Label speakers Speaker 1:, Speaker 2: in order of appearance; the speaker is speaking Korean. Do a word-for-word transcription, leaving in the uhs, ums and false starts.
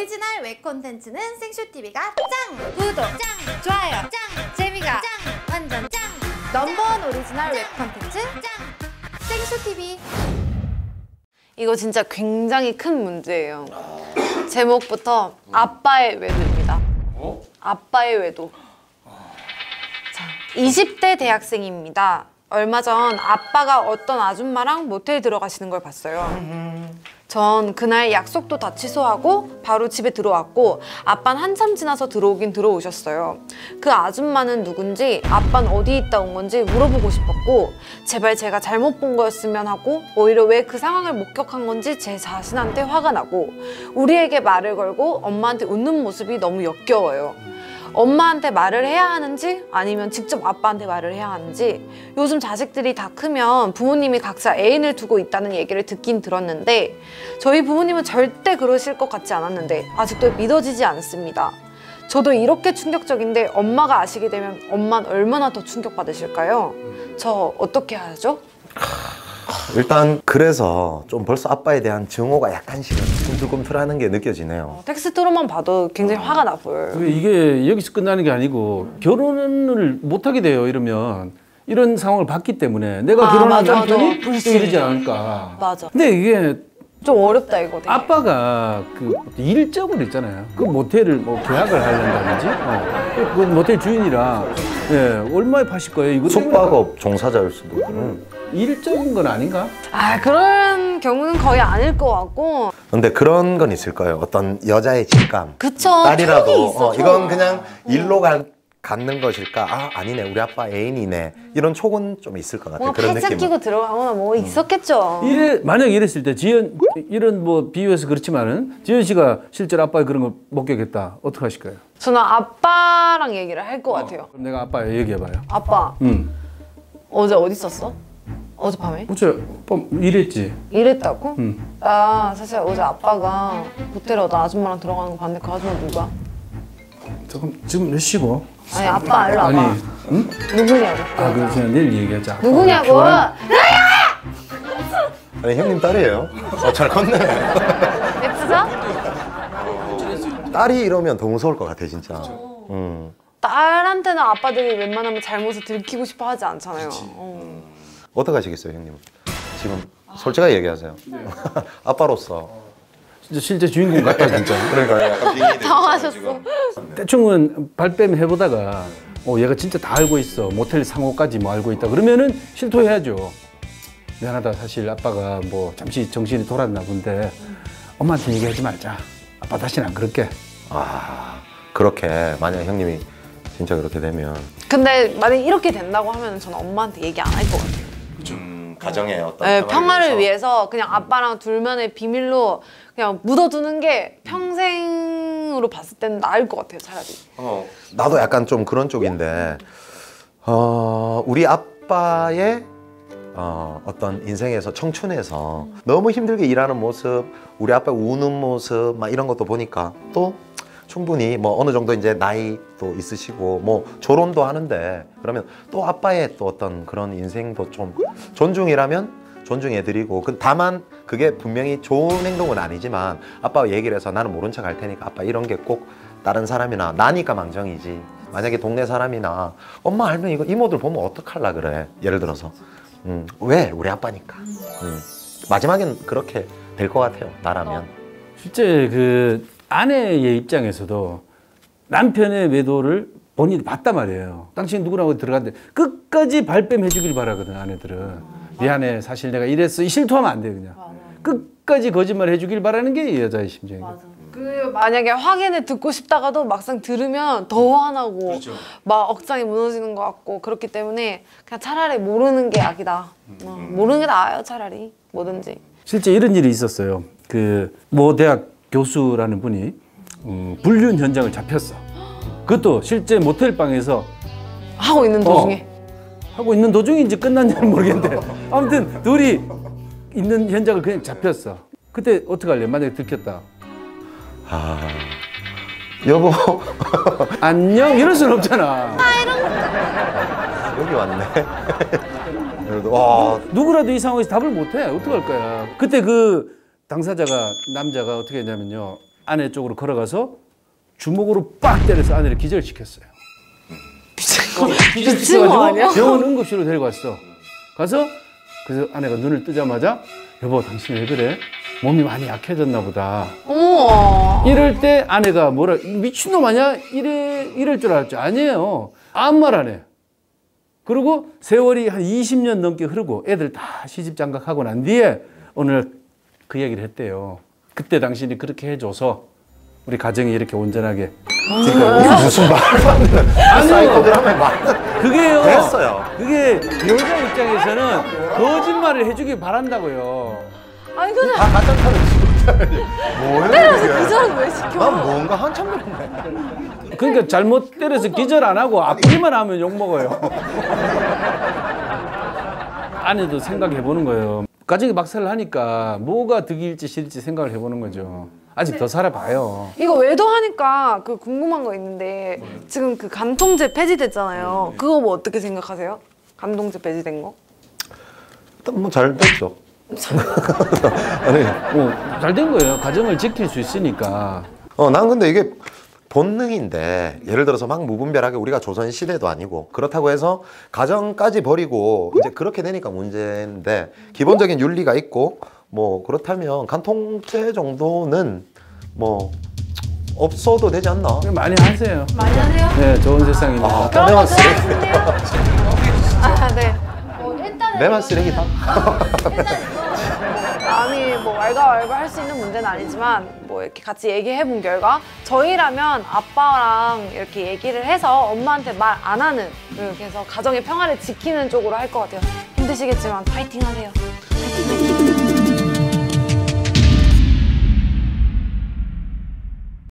Speaker 1: 오리지널 웹 콘텐츠는 생쇼티비가 짱! 구독 짱! 좋아요 짱! 재미가 짱! 완전 짱! 넘버원 오리지널 웹 콘텐츠 짱! 생쇼티비.
Speaker 2: 이거 진짜 굉장히 큰 문제예요. 제목부터 아빠의 외도입니다.
Speaker 3: 어?
Speaker 2: 아빠의 외도. 자, 이십 대 대학생입니다. 얼마 전 아빠가 어떤 아줌마랑 모텔 들어가시는 걸 봤어요. 전 그날 약속도 다 취소하고 바로 집에 들어왔고 아빠는 한참 지나서 들어오긴 들어오셨어요. 그 아줌마는 누군지, 아빠는 어디 있다 온 건지 물어보고 싶었고 제발 제가 잘못 본 거였으면 하고 오히려 왜 그 상황을 목격한 건지 제 자신한테 화가 나고 우리에게 말을 걸고 엄마한테 웃는 모습이 너무 역겨워요. 엄마한테 말을 해야 하는지 아니면 직접 아빠한테 말을 해야 하는지. 요즘 자식들이 다 크면 부모님이 각자 애인을 두고 있다는 얘기를 듣긴 들었는데 저희 부모님은 절대 그러실 것 같지 않았는데 아직도 믿어지지 않습니다. 저도 이렇게 충격적인데 엄마가 아시게 되면 엄마는 얼마나 더 충격받으실까요? 저 어떻게 하죠?
Speaker 3: 일단 그래서 좀 벌써 아빠에 대한 증오가 약간씩은 꿈틀꿈틀하는 게 느껴지네요.
Speaker 2: 어, 텍스트로만 봐도 굉장히 화가 나 보여요.
Speaker 4: 이게 여기서 끝나는 게 아니고 결혼을 못하게 돼요. 이러면 이런 상황을 봤기 때문에 내가
Speaker 2: 아,
Speaker 4: 결혼한
Speaker 2: 맞아,
Speaker 4: 남편이
Speaker 2: 맞아.
Speaker 4: 이러지 않을까.
Speaker 2: 맞아.
Speaker 4: 근데 이게
Speaker 2: 좀 어렵다 이거 되게.
Speaker 4: 아빠가 그 일적으로 있잖아요. 그 모텔을 뭐 계약을 하려다든지 어. 그 모텔 주인이랑 예, 얼마에 파실 거예요? 이거
Speaker 3: 숙박업 종사자일 수도 있고. 음.
Speaker 4: 일적인 건 아닌가?
Speaker 2: 아 그런 경우는 거의 아닐 것 같고.
Speaker 3: 근데 그런 건 있을까요? 어떤 여자의 직감.
Speaker 2: 그쵸.
Speaker 3: 딸이라도
Speaker 2: 촉이 있어,
Speaker 3: 어, 이건 그냥 일로 가, 갖는 것일까? 아 아니네 우리 아빠 애인이네. 이런 촉은 좀 있을 것 같아요.
Speaker 2: 뭐
Speaker 3: 그런
Speaker 2: 팔짱
Speaker 3: 느낌.
Speaker 2: 끼고 들어가거나 뭐 있었겠죠.
Speaker 4: 이래 만약 이랬을 때 지연 이런 뭐 비유해서 그렇지만은 지연 씨가 실제로 아빠의 그런 걸 목격했다. 어떻게 하실 거예요?
Speaker 2: 저는 아빠랑 얘기를 할 것 같아요.
Speaker 4: 그럼 내가 아빠 얘기해봐요.
Speaker 2: 아빠
Speaker 4: 응.
Speaker 2: 어제 어디 있었어? 어젯밤에?
Speaker 4: 어제 아빠 일했지.
Speaker 2: 이랬다고?
Speaker 4: 응.
Speaker 2: 나 사실 어제 아빠가 호텔에 어떤 아줌마랑 들어가는 거 봤는데 그 아줌마 누구야?
Speaker 4: 잠깐 지금 몇 시고?
Speaker 2: 아니 아빠 일로 와봐.
Speaker 4: 아니, 응?
Speaker 2: 누구냐고.
Speaker 4: 아 그럼 그냥 내일 얘기하자.
Speaker 2: 누구냐고.
Speaker 4: 피곤한-
Speaker 3: 아니 형님 딸이에요. 어, 잘 컸네.
Speaker 2: 예쁘죠?
Speaker 3: 딸이 이러면 더 무서울 것 같아 진짜. 음.
Speaker 2: 딸한테는 아빠들이 웬만하면 잘못을 들키고 싶어 하지 않잖아요. 어.
Speaker 3: 어떻게 하시겠어요 형님? 지금 솔직하게 얘기하세요. 아빠로서.
Speaker 4: 진짜 실제 주인공 같다 진짜.
Speaker 3: 그러니까 약간 빙의
Speaker 2: 당황하셨어.
Speaker 4: 대충은 발뺌 해보다가 어 얘가 진짜 다 알고 있어. 모텔 상호까지 뭐 알고 있다. 그러면은 실토해야죠. 미안하다. 사실 아빠가 뭐 잠시 정신이 돌았나 본데 엄마한테 얘기하지 말자. 아빠 다시는 안 그럴게.
Speaker 3: 아 그렇게 만약 형님이 진짜 그렇게 되면.
Speaker 2: 근데 만약 이렇게 된다고 하면 저는 엄마한테 얘기 안 할 것 같아요.
Speaker 3: 음, 가정의 어떤
Speaker 2: 네, 평화를 위해서 그냥 아빠랑 둘만의 비밀로 그냥 묻어두는 게 평생으로 봤을 때는 나을 것 같아요, 차라리.
Speaker 3: 어, 나도 약간 좀 그런 쪽인데 어, 우리 아빠의 어, 어떤 인생에서 청춘에서 너무 힘들게 일하는 모습, 우리 아빠 우는 모습 막 이런 것도 보니까 또 충분히 뭐 어느 정도 이제 나이도 있으시고 뭐 결혼도 하는데 그러면 또 아빠의 또 어떤 그런 인생도 좀 존중이라면 존중해드리고 그 다만 그게 분명히 좋은 행동은 아니지만 아빠와 얘기를 해서 나는 모른 척 할 테니까 아빠 이런 게 꼭 다른 사람이나 나니까 망정이지 만약에 동네 사람이나 엄마 알면 이거 이모들 보면 어떡할라 그래 예를 들어서 음, 왜? 우리 아빠니까 음, 마지막엔 그렇게 될 것 같아요 나라면.
Speaker 4: 실제 그 아내의 입장에서도 남편의 외도를 본인이 봤단 말이에요. 당신 누구라고 들어갔는데 끝까지 발뺌해 주길 바라거든 아내들은. 미안해 사실 내가 이랬어. 실토하면 안 돼 그냥. 끝까지 거짓말 해주길 바라는 게 이 여자의 심정이에요.
Speaker 2: 그 만약에 확인을 듣고 싶다가도 막상 들으면 더 화나고
Speaker 3: 그렇죠.
Speaker 2: 막 억장이 무너지는 것 같고 그렇기 때문에 그냥 차라리 모르는 게 약이다. 어, 모르는 게 나아요 차라리 뭐든지.
Speaker 4: 실제 이런 일이 있었어요. 그 모 대학 교수라는 분이 음, 불륜 현장을 잡혔어. 그것도 실제 모텔 방에서
Speaker 2: 하고 있는 도중에.
Speaker 4: 어, 하고 있는 도중인지 끝났냐는 모르겠는데 아무튼 둘이 있는 현장을 그냥 잡혔어. 그때 어떻게 할래? 만약에 들켰다.
Speaker 3: 아 여보
Speaker 4: 안녕 이럴 순 없잖아.
Speaker 3: 여기 왔네. 그래도 와
Speaker 4: 누구라도 이 상황에서 답을 못해. 어떡할 거야. 그때 그 당사자가 남자가 어떻게 했냐면요. 아내 쪽으로 걸어가서 주먹으로 빡 때려서 아내를 기절시켰어요.
Speaker 2: 미친 거 아니야?
Speaker 4: 병원 응급실로 데리고 갔어. 가서 그래서 아내가 눈을 뜨자마자 여보 당신 왜 그래? 몸이 많이 약해졌나 보다.
Speaker 2: 어머.
Speaker 4: 이럴 때 아내가 뭐라 미친놈 아니야? 이래, 이럴 줄 알았죠. 아니에요. 아무 말 안 해. 그리고 세월이 한 이십 년 넘게 흐르고 애들 다 시집 장가가고 난 뒤에 오늘 그 얘기를 했대요. 그때 당신이 그렇게 해줘서 우리 가정이 이렇게 온전하게.
Speaker 3: 무슨 말도 안 되는 사이코드라면 말.
Speaker 4: 그게요.
Speaker 3: 됐어요.
Speaker 4: 그게 여자 입장에서는 거짓말을 해주길 바란다고요.
Speaker 2: 아니 근데
Speaker 3: 다 가짜카는 진짜. 뭐예요?
Speaker 2: 때려서 기절은 왜 시켜?
Speaker 3: 난 뭔가 한참 그랬네.
Speaker 4: 그러니까 잘못 때려서 기절 안 하고 아프기만 하면 욕 먹어요. 아내도 생각해 보는 거예요. 가정이 막살을 하니까 뭐가 득일지 실일지 생각을 해보는 거죠. 아직 더 살아봐요.
Speaker 2: 이거 외도하니까 그 궁금한 거 있는데 지금 그 간통죄 폐지됐잖아요. 그거 뭐 어떻게 생각하세요? 간통죄 폐지된 거?
Speaker 3: 일단 뭐 잘 됐죠. 아니,
Speaker 4: 뭐 잘 된 거예요. 가정을 지킬 수 있으니까.
Speaker 3: 어, 난 근데 이게 본능인데 예를 들어서 막 무분별하게 우리가 조선 시대도 아니고 그렇다고 해서 가정까지 버리고 이제 그렇게 되니까 문제인데 기본적인 윤리가 있고 뭐 그렇다면 간통죄 정도는 뭐 없어도 되지 않나?
Speaker 4: 많이 하세요.
Speaker 1: 많이 하세요?
Speaker 4: 네, 좋은 세상입니다.
Speaker 3: 아,
Speaker 1: 그런
Speaker 3: 내만
Speaker 1: 거
Speaker 3: 쓰레기.
Speaker 1: 좋아하시는데요?
Speaker 2: 아 네.
Speaker 1: 어, 일단은
Speaker 3: 내만
Speaker 1: 이거-
Speaker 3: 쓰레기다.
Speaker 1: 일단 이거
Speaker 2: 남이 뭐 왈가왈부 할 수 있는 문제는 아니지만 뭐 이렇게 같이 얘기해 본 결과 저희라면 아빠랑 이렇게 얘기를 해서 엄마한테 말 안 하는 이렇게 해서 가정의 평화를 지키는 쪽으로 할 것 같아요. 힘드시겠지만 파이팅 하세요. 파이팅 파이팅.